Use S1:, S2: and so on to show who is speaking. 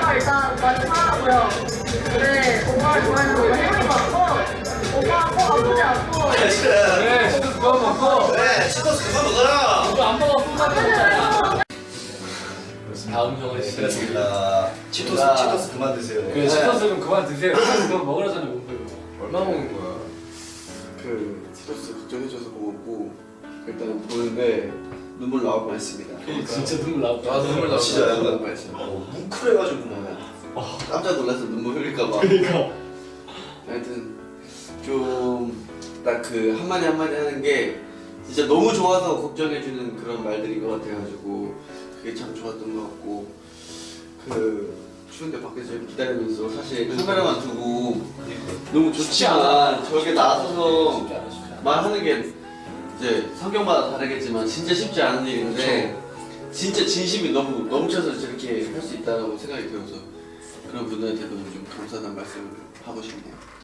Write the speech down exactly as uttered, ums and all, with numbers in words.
S1: 오빠가 일단 많이 사랑하고요. 네, 오빠를 좋아해서 오빠 혜영이 맞고 오빠 꼭 아프지 않고
S2: 그래
S3: 그래, 치토스 그만 먹고.
S2: 그래 치토스 그만 먹어라.
S3: 이거 안 먹어, 꿀맛 먹잖아. 다음 형은 진짜.
S2: 그렇습니다. 치토스
S4: 나-
S2: 치토스 그만 드세요.
S3: 그 치토스 좀 그만 드세요. 그거 먹으라잖아, 못 먹어요.
S4: 얼마 먹는 거야? 그 티토스 걱정해줘서 고맙고 일단 보는데 눈물 나올 뻔했습니다.
S3: 진짜 눈물 나올 거야.
S4: 나도 눈물 나올
S2: 진짜
S4: 뻔-
S2: 약간
S4: 뻔했어요.
S2: 어, 뭉클해가지고 뭐.
S4: 깜짝 놀라서 눈물 흘릴까봐.
S3: 그러니까.
S4: 하여튼 좀 딱 그 한마디 한마디 하는 게 진짜 너무 좋아서 걱정해주는 그런 말들인 것 같아가지고 그게 참 좋았던 것 같고 그 추운데 밖에서 이렇게 기다리면서 사실 카메라만 두고 너무 좋지만 저렇게 나서서
S3: 쉽지 않아, 쉽지 않아.
S4: 말하는 게 이제 성격마다 다르겠지만 진짜 쉽지 않은 일인데 진짜 진심이 너무 넘쳐서 저렇게 할 수 있다고 생각이 들어서 그런 분들한테도 좀 감사하다는 말씀을 하고 싶네요.